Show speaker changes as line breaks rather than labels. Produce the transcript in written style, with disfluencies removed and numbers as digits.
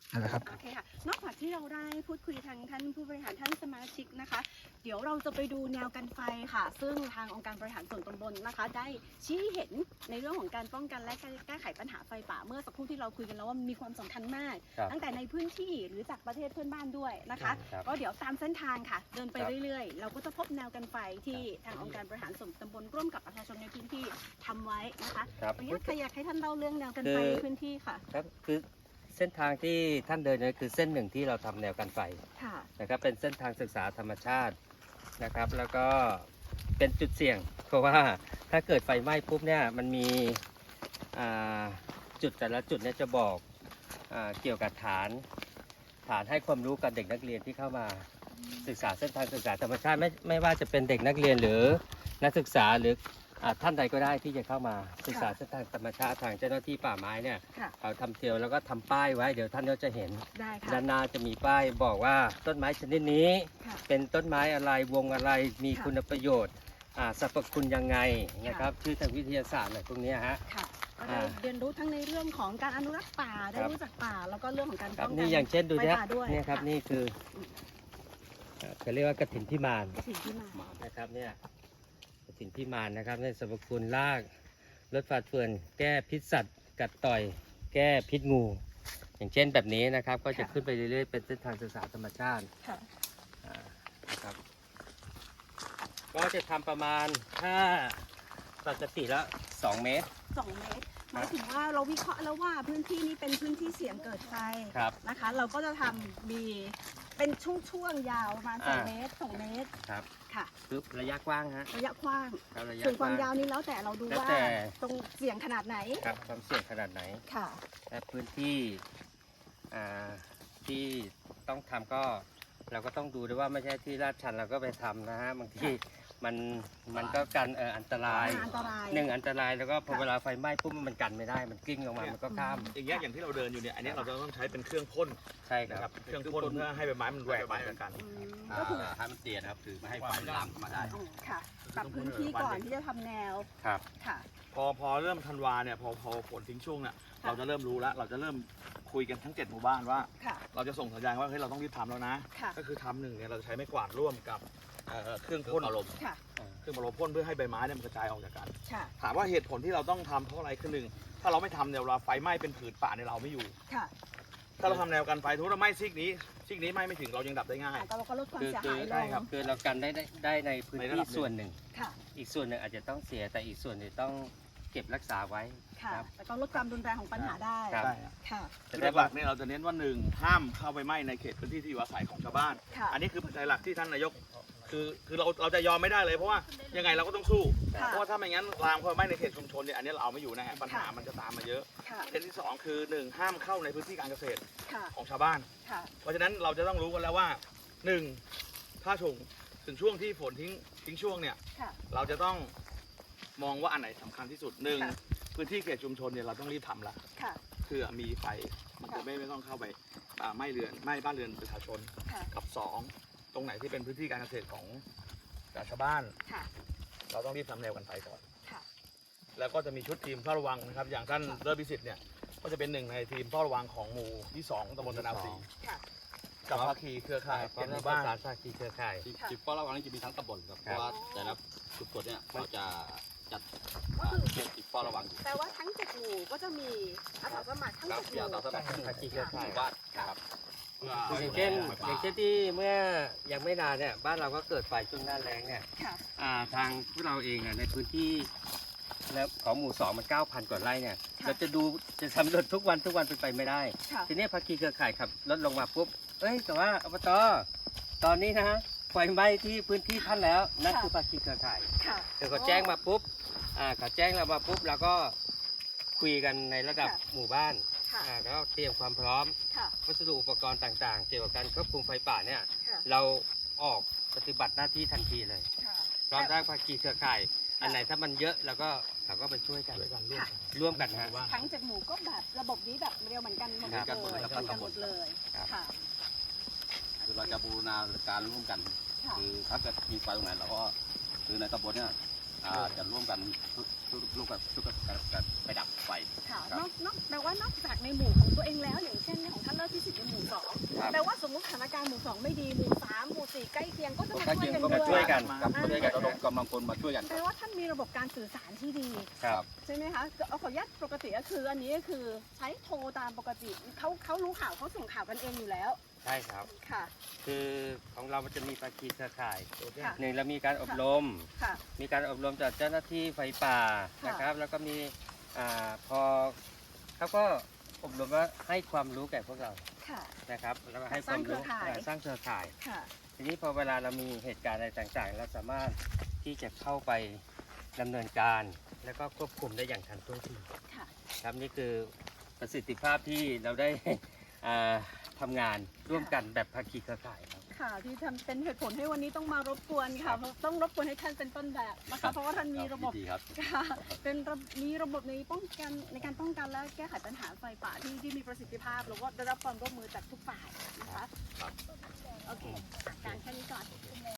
นะครับ
โอเคค่ะนอกจากที่เราได้พูดคุยทางท่านผู้บริหารท่านสมาชิกนะคะเดี๋ยวเราจะไปดูแนวกันไฟค่ะซึ่งทางองค์การบริหารส่วนตำบลนะคะได้ชี้เห็นในเรื่องของการป้องกันและแก้ไขปัญหาไฟป่าเมื่อสักครู่ที่เราคุยกันแล้วว่ามีความสำคัญมากตั้งแต่ในพื้นที่หรือจากประเทศเพื่อนบ้านด้วยนะคะก็เดี๋ยวตามเส้นทางค่ะเดินไปเรื่อยๆเราก็จะพบแนวกันไฟที่ทางองค์การบริหารส่วนตำบลร่วมกับประชาชนในพื้นที่ทำไว้นะคะวันนี้ใครอยากให้ท่านเล่าเรื่องแนวกันไฟในพื้นที่ค่ะ
ครับคือเส้นทางที่ท่านเดินเนี่ยคือเส้นหนึ่งที่เราทำแนวกันไฟนะครับเป็นเส้นทางศึกษาธรรมชาตินะครับแล้วก็เป็นจุดเสี่ยงเพราะว่าถ้าเกิดไฟไหม้ปุ๊บเนี่ยมันมีจุดแต่ละจุดเนี่ยจะบอกเกี่ยวกับฐานให้ความรู้กับเด็กนักเรียนที่เข้ามาศึกษาเส้นทางศึกษาธรรมชาติไม่ว่าจะเป็นเด็กนักเรียนหรือนักศึกษาหรือท่านใดก็ได้ที่จะเข้ามาศึกษาเส้นทางธรรมชาติทางเจ้าหน้าที่ป่าไม้เนี่ยเขาทำเทียวแล้วก็ทำป้ายไว้เดี๋ยวท่านก็จะเห็นด้านหน้าจะมีป้ายบอกว่าต้นไม้ชนิดนี้เป็นต้นไม้อะไรวงอะไรมีคุณประโยชน์สรรพคุณยังไงนะครับชื่อทางวิทยาศาสตร์อะไรพวกนี้ฮะ
ได้เรียนรู้ทั้งในเรื่องของการอนุรักษ์ป่าได้รู้จักป่าแล้วก็เรื่องของการป้องกัน
นี่อย่างเช่นดูเนี่ย
ไฟป่าด้วย
นี่ครับนี่คือเขาเรียกว่ากฐินพิมานนะครับเนี่ยกฐินพิมานนะครับในสรรพคุณรากลดฝาดเฟือนแก้พิษสัตว์กัดต่อยแก้พิษงู อย่างเช่นแบบนี้นะครับก็จะขึ้นไปเรื่อยๆเป็นเส้นทางศึกษาธรรมชาตินะครับก็จะทำประมาณถ้าปกติแล้ว2 เมตร
หมายถึงว่าเราวิเคราะห์แล้วว่าพื้นที่นี้เป็นพื้นที่เสี่ยงเกิดไฟนะคะเราก็จะทำมีเป็นช่วงยาวประมาณ2 เมตร2 เมตร
ครับ
ค่ะ
คือระยะกว้างฮะ
ระยะกว้างส่วนความยาวนี้แล้วแต่เราดูว่าตรงเสี่ยงขนาดไหน
ครับความเสี่ยงขนาดไหน
ค่ะ
และพื้นที่ที่ต้องทำก็เราก็ต้องดูด้วยว่าไม่ใช่ที่ลาดชันเราก็ไปทำนะฮะบางทีมันก็กันอันตรายอันตรายแล้วก็พอเวลาไฟไหม้ปุ๊บมันกันไม่ได้มันกลิ้งลงมามันก็ข้าม
อย่างที่เราเดินอยู่เนี่ยอันนี้เราจะต้องใช้เป็นเครื่องพ่น
ใช่ครับ
เครื่องพ่นเพื่อให้ใบไม้มันแหวกไปกัน
ก็คือให้มันเตียนครับคือไม่ให้ไฟลามเข้ามาได้
ค่ะปรับพื้นที่ก่อนที่จะทำแนว
ครับ
ค่ะ
พอเริ่มธันวาเนี่ยพอฝนทิ้งช่วงเนี่ยเราจะเริ่มรู้แล้วเราจะเริ่มคุยกันทั้ง7 หมู่บ้านว่าเราจะส่งสัญญาณว่าเฮ้ยเราต้องรีบทำแล้วนะก็คือทำ1เนี่ยเราจะใช้ไม้กวาดร่วมกับเครื่องพ่นอารมณ์เครื่องอารมณ์พ่นเพื่อให้ใบไม้เนี่ยมันกระจายออกจากกันถามว่าเหตุผลที่เราต้องทำเพราะอะไรคือ1ถ้าเราไม่ทำเนี่ยเราไฟไหม้เป็นผืนป่าในเราไม่อยู่ถ้าเราทำแนวกันไฟทุกเราไหม้ซีกนี้ไหม้ไม่ถึงเรายังดับได้ง่าย
เราก็ลดความเสียหายลง
คือเรากันได้ในพื้นที่ส่วนหนึ่งอีกส่วนหนึ่งอาจจะต้องเสียแต่อีกส่วนหนึ่งต้องเก็บรักษาไว้
ค่ะแต่ก็ลดความรุนแรงของปัญหาได้
ค่ะแต่หลักเนี่ยเราจะเน้นว่า1ห้ามเข้าไปไหม้ในเขตพื้นที่ที่อยู่อาศัยของชาวบ้านอันนี้คือปัจจัยหลักที่ท่านนายกคือเราจะยอมไม่ได้เลยเพราะว่ายังไงเราก็ต้องสู้เพราะว่าถ้าไม่งั้นลามเข้าไปไหม้ในเขตชุมชนเนี่ยอันนี้เราเอาไม่อยู่นะฮะปัญหามันจะตามมาเยอะประเด็นที่2คือ1ห้ามเข้าในพื้นที่การเกษตรของชาวบ้านเพราะฉะนั้นเราจะต้องรู้กันแล้วว่า1ถ้าถึงช่วงที่ฝนทิ้งช่วงเนี่ยเราจะต้องมองว่าอันไหนสำคัญที่สุด1พื้นที่เขตชุมชนเนี่ยเราต้องรีบทำละคือมีไฟมันจะไม่ต้องเข้าไปไหม้บ้านเรือนประชาชนกับ2ตรงไหนที่เป็นพื้นที่การเกษตรของชาวบ้านเราต้องรีบทำแนวกันไฟก่อนแล้วก็จะมีชุดทีมเฝ้าระวังนะครับอย่างท่านเลิศพิสิทธิ์เนี่ยก็จะเป็น1ในทีมเฝ้าระวังของหมู่ที่2ตำบลตะนาวศรีกับภาคีเครือข่าย
เป็นหมู่บ้านภาคีเครือข่าย
ทีมเฝ้าระวังนี่จะมีทั้งตำบลครับเพราะว่าแต่ละจุดตรวจเนี่ยเราจะจัดทีมเฝ้าระวัง
แต่ว่าทั้ง7 หมู่ก็จะมีอาสาสมัครทั้ง7 หมู่
ภาคีเครือข่าย
บ้านครับ
อย่างเช่นที่เมื่อยังไม่นานเนี่ยบ้านเราก็เกิดไฟช่วงหน้าแล้งเนี่ยทางพวกเราเองในพื้นที่แล้วของหมู่2มัน 9,000 กว่าไร่เนี่ยเราจะสำรวจทุกวันเป็นไปไม่ได้ทีนี้ภาคีเครือข่ายขับรถลงมาปุ๊บแต่ว่าอบตตอนนี้นะฮะไฟไหม้ที่พื้นที่ท่านแล้วนั่นคือภาคีเครือข่ายเดี๋ยวเขาแจ้งมาปุ๊บเขาแจ้งเรามาปุ๊บเราก็คุยกันในระดับหมู่บ้านแล้วเตรียมความพร้อมวัสดุอุปกรณ์ต่างๆเกี่ยวกับการควบคุมไฟป่าเนี่ยเราออกปฏิบัติหน้าที่ทันทีเลยพร้อมทั้งภาคีเครือข่ายอันไหนถ้ามันเยอะเราก็ไปช่วยกันร่วมกันฮะ
ทั้ง7 หมู่ก็แบบระบบนี้แบบเรียวเหมือนกันหมดเลยค่ะ
คือเราจะบูรณาการร่วมกันคือถ้าเกิดมีไฟตรงไหนเราก็คือในตำบลเนี่ยจะร่วมกันไปดับไฟ
ค่ะแปลว่านอกจากในหมู่ของตัวเองแล้วอย่างเช่นของท่านเลิศพิสิทธิ์แปลว่าสมมติสถานการณ์หมู่2ไม่ดีหมู่3หมู่4ใกล้เคียงก็จะมา
ใกล้
ช่วย
เคียง
กัน
ก็
ด้
มาช่วย
วย
กันครับช่วยกันระดมกำลังคนมาช่วยกัน
แปลว่าท่านมีระบบการสื่อสารที่ดี
ครับ
ใช่ไหมคะเอาขออนุญาตปกติก็คืออันนี้ก็คือใช้โทรตามปกติเขารู้ข่าวเขาส่งข่าวกันเองอยู่แล้ว
ใช่ครับ
ค่ะ
คือของเรามันจะมีภาคีเครือข่าย
ค่ะ
หนึ่งเรามีการอบรม
ค่ะ
มีการอบรมจากเจ้าหน้าที่ไฟป่า
ค่ะ
นะครับ แล้วก็มีพอเขาก็อบรมว่าให้ความรู้แก่พวกเรา
ค่ะ
นะครับ แล้วก็ให้ความรู้
สร้างเครือข่าย
สร้างเครือข่าย
ค่ะ
ทีนี้พอเวลาเรามีเหตุการณ์อะไรต่างๆ เราสามารถที่จะเข้าไปดำเนินการ แล้วก็ควบคุมได้อย่างทันท่วงที
ค่ะ
ครับนี่คือประสิทธิภาพที่เราได้ ทำงานร่วมกันแบบภาคีเครือข่ายครับ
ค่ะที่ทำเป็นเหตุผลให้วันนี้ต้องมารบกวนค่ะเพราะต้องรบกวนให้ท่านเป็นต้นแบบนะคะเพราะว่าท่านมีระบบ
ดีครับ
ค่ะมีระบบในการป้องกันและแก้ไขปัญหาไฟป่าที่มีประสิทธิภาพแล้วก็ได้รับความร่วมมือจากทุกฝ่ายนะคะ
ครับ
โอเคการแค่นี้ก่อน